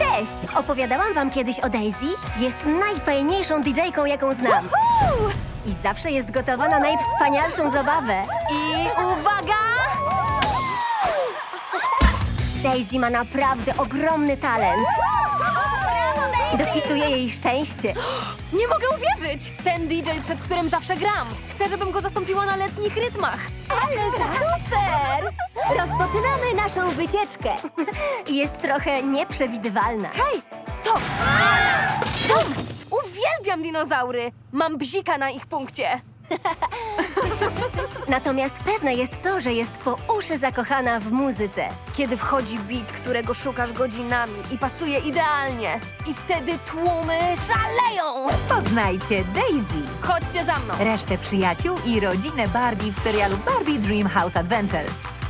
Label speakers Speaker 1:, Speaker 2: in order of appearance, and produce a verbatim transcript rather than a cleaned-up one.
Speaker 1: Cześć! Opowiadałam wam kiedyś o Daisy? Jest najfajniejszą didżejką, jaką znam. I zawsze jest gotowa na najwspanialszą zabawę.
Speaker 2: I uwaga!
Speaker 1: Daisy ma naprawdę ogromny talent. Dopisuje jej szczęście.
Speaker 2: Nie mogę uwierzyć! Ten D J, przed którym zawsze gram. Chcę, żebym go zastąpiła na letnich rytmach.
Speaker 1: Ale super! Rozpoczynamy naszą wycieczkę. Jest trochę nieprzewidywalna.
Speaker 2: Hej, stop! Stop! Uwielbiam dinozaury! Mam bzika na ich punkcie.
Speaker 1: Natomiast pewne jest to, że jest po uszy zakochana w muzyce.
Speaker 2: Kiedy wchodzi beat, którego szukasz godzinami i pasuje idealnie. I wtedy tłumy szaleją!
Speaker 3: Poznajcie Daisy,
Speaker 2: Chodźcie za mną!
Speaker 3: resztę przyjaciół i rodzinę Barbie w serialu Barbie Dream House Adventures.